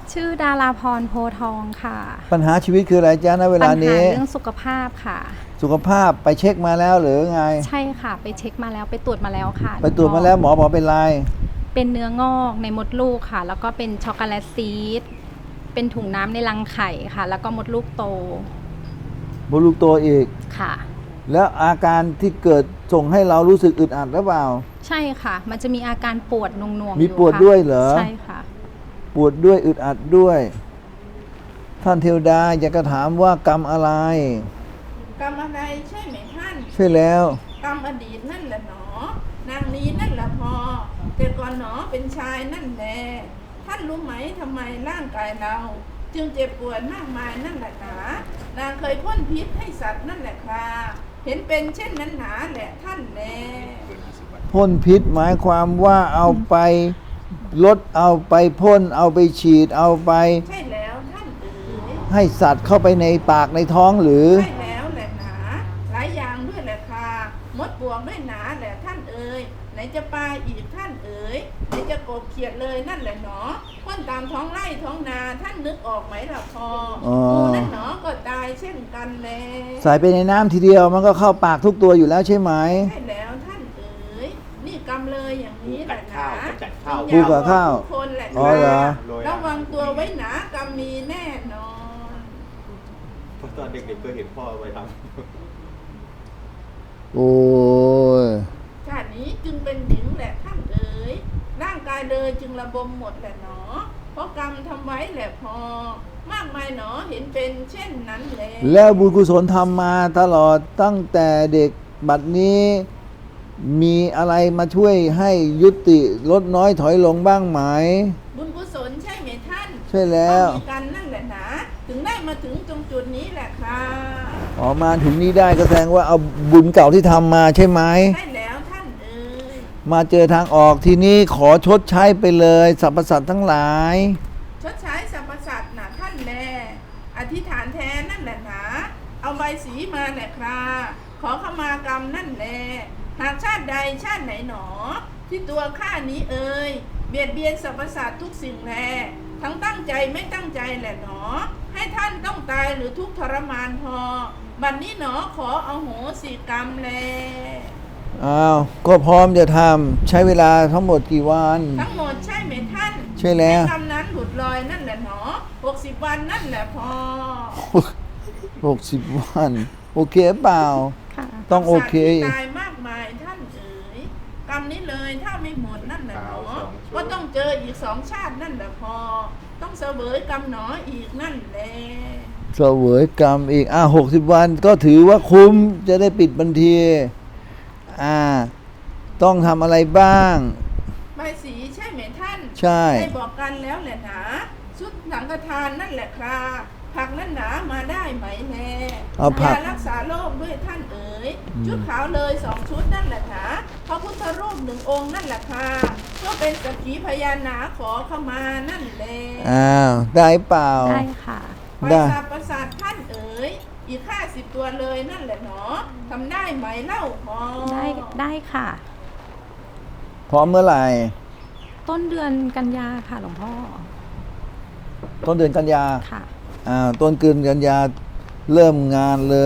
ชื่อดาราพรโพทองค่ะปัญหาชีวิตคืออะไรจ๊ะณเวปัลาญหานี้เรื่องสุขภาพค่ะสุขภาพไปเช็คมาแล้วหรือไงใช่ค่ะ ไปเช็คมาแล้วไปตรวจมาแล้วค่ะไปตรวจมาแล้วหมอบอกเป็นไรเป็นเนื้องอกในมดลูกค่ะ แล้วก็เป็นช็อกโกแลตซีสเป็นถุงน้ำในรังไข่ค่ะ แล้วก็มดลูกโตบลูกโตอีกค่ะแล้วอาการที่เกิดส่งให้เรารู้สึกอึดอัดหรือเปล่าใช่ค่ะ มันจะมีอาการปวดหน่วงๆมีอยู่ปวดค่ะด้วยเหรอใช่ค่ะปวดด้วยอึดอัดด้วย ท่านเทวดาอยากจะถามว่ากรรมอะไรกรรมอะไรใช่ไหมท่านใช่แล้วกรรมอดีตนั่นแหละหนอ นางนี้นั่นแหละพอ แต่ก่อนหนอเป็นชายนั่นแหละท่านรู้ไหมทำไมร่างกายเรา จึงเจ็บปวดมากมายนั่นแหละหนานางเคยพ่นพิษให้สัตว์นั่นแหละครับเห็นเป็นเช่นนั้นหนาแหละท่านแลพ่นพิษหมายความว่าเอาไปลดเอาไปพ่นเอาไปฉีดเอาไปใช่แล้วท่านเอ๋ยให้สัตว์เข้าไปในปากในท้องหรือใช่แล้วแหละหนาหลายอย่างด้วยแหละค่ะมดปลวกด้วยหนาแหละท่านเอ๋ยไหนจะปลาอีกท่านเอ๋ยไหนจะกบเขียดเลยนั่นแหละหนอพ่นตามท้องไร่ท้องนาท่านนึกออกไหมล่ะพออ๋องูนั่นหนอก็ตายเช่นกันแลใส่ไปในน้ำทีเดียวมันก็เข้าปากทุกตัวอยู่แล้วใช่ไหมใช่แล้วท่านเอ๋ยนี่กำเลยอย่างนี้แหละหนาจัดข้าวปูกับข้าวทุกคนแหละอ๋อเหรอระวังตัวไว้หนากำมีแน่นอนเพราะตอนเด็กๆเคยเห็นพ่อไปทโอ้ยชาตินี้จึงเป็นหญิงแหละท่านเอ๋ยร่างกายเลยจึงระบมหมดแหละหนอ เพราะกรรมทำไว้แหละพอ มากมายหนอเห็นเป็นเช่นนั้นแหละแล้วบุญกุศลทำมาตลอดตั้งแต่เด็กบัดนี้มีอะไรมาช่วยให้ยุติลดน้อยถอยลงบ้างไหมบุญกุศลใช่ไหมท่านใช่แล้วมีกันนั่นแหละนะถึงได้มาถึงตรงจุดนี้แหละครับออกมาถึงนี้ได้ก็แสดงว่าเอาบุญเก่าที่ทำมาใช่ไหมใช่แล้วท่านเอ๋ยมาเจอทางออกทีนี้ขอชดใช้ไปเลยสรรพสัตว์ทั้งหลายชดใช้สรรพสัตว์นะท่านแลอธิษฐานแทนนั่นแหละนะเอาใบสีมาแหละครับขอขมากรรมนั่นแหละหากชาติใดชาติไหนหนอ ที่ตัวข้านี้เอ่ยเบียดเบียนสรรพสัตว์ทุกสิ่งแลทั้งตั้งใจไม่ตั้งใจแหละหนอ ให้ท่านต้องตายหรือทุกข์ทรมานพอ บัดนี้หนอขอเอาโหสิกรรมแลอ้าวก็พร้อมจะทำใช้เวลาทั้งหมดกี่วันทั้งหมดใช่ไหมท่านใช่แล้วให้กรรมนั้นหลุดลอยนั่นแหละหนอ60 วันนั่นแหละพอ 60 วัน โอเคเปล่าค่ะต้องโอเคสัตว์ที่ตายมากมายท่านเอ๋ยกรรมนี้เลยถ้าไม่หมดนั่นแหละหนอก็ต้องเจออีก2 ชาตินั่นแหละพอ ต้องเสวยกรรมหนออีกนั่นแหละเสวยกรรมอีก60 วันก็ถือว่าคุ้มจะได้ปิดบัญชีต้องทำอะไรบ้างใบสีใช่ไหมท่านใช่ได้บอกกันแล้วแหละหนาชุดสังฆทานนั่นแหละครับผักนั่นหนามาได้ไหมแน่เอาผักยารักษาโรคด้วยท่านเอ๋ยชุดขาวเลย2 ชุดนั่นแหละหนาพระพุทธรูป1 องค์นั่นแหละค่ะก็เป็นสักขีพยานหนาขอเข้ามานั่นแหละได้เปล่าได้ค่ะปได้ราสาทประสาทท่านเอ๋ยอีก50 ตัวเลยนั่นแหละหนอทำได้ไหมเล่าพอได้ค่ะพร้อมเมื่อไหร่ต้นเดือนกันยาค่ะหลวงพ่อต้นเดือนกันยาค่ะต้นเดือนกันยาเริ่มงานเลย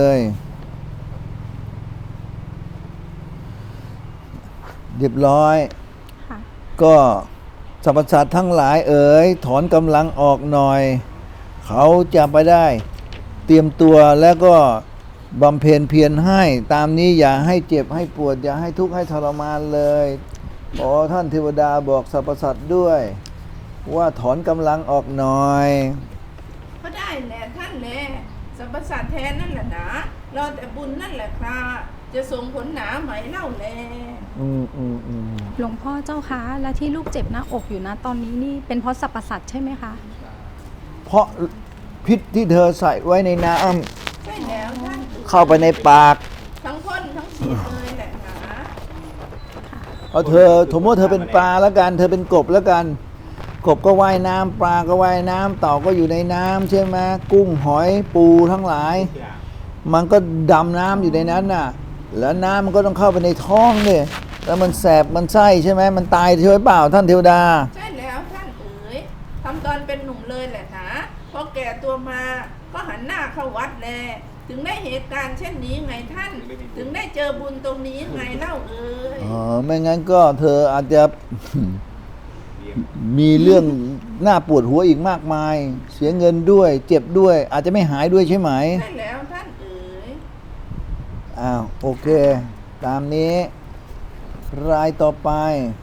เรียบร้อยค่ะก็สรรพสัตว์ทั้งหลายเอ๋ยถอนกำลังออกหน่อย เขาจะไปได้ เตรียมตัวแล้วก็บำเพ็ญเพียรให้ตามนี้อย่าให้เจ็บให้ปวด อย่าให้ทุกข์ให้ทรมานเลยขอท่านเทวดาบอกสรรพสัตว์ด้วย ว่าถอนกำลังออกหน่อยก็ได้แหละท่านแหละสรรพสัตว์แทนนั่นแหละหนารอแต่บุญนั่นแหละครับจะส่งผลหนาไหมเล่าแลหลวงพ่อเจ้าคะและที่ลูกเจ็บหน้าอกอยู่นะตอนนี้นี่เป็นเพราะสรรพสัตว์ใช่ไหมคะเพราะพิษที่เธอใส่ไว้ในน้ใช่แล้วท่านำเข้าไปในปากทั้งพ่นทั้งฉีดเลยแหละหนาเอาเธอสมมติเธอเป็นปลาแล้วกัน เธอเป็นกบแล้วกัน กบก็ว่ายน้ำปลาก็ว่ายน้ำเต่าก็อยู่ในน้ำใช่ไหมกุ้งหอยปูทั้งหลายำอย่างมันก็ดำน้ำอยู่ในนั้นน่ะ แล้วน้ำมันก็ต้องเข้าไปในท้องเนี่ยแล้วมันแสบมันไส้ใช่ไหมมันตายใช่ไหมเปล่าท่านเทวดาใช่แล้วท่านเอ๋ยทำตอนเป็นหนุ่มเลยแหละมา ก็หันหน้าเข้าวัดแล ถึงได้เหตุการณ์เช่นนี้ไงท่าน ถึงได้เจอบุญตรงนี้ไงเล่าเอ่ยอ๋อไม่งั้นก็เธออาจจะเลี้ยงมีเรื่องน่าปวดหัวอีกมากมาย เสียเงินด้วย เจ็บด้วย อาจจะไม่หายด้วยใช่ไหมใช่แล้วท่านเอ๋ยอ้าวโอเค ตามนี้ รายต่อไป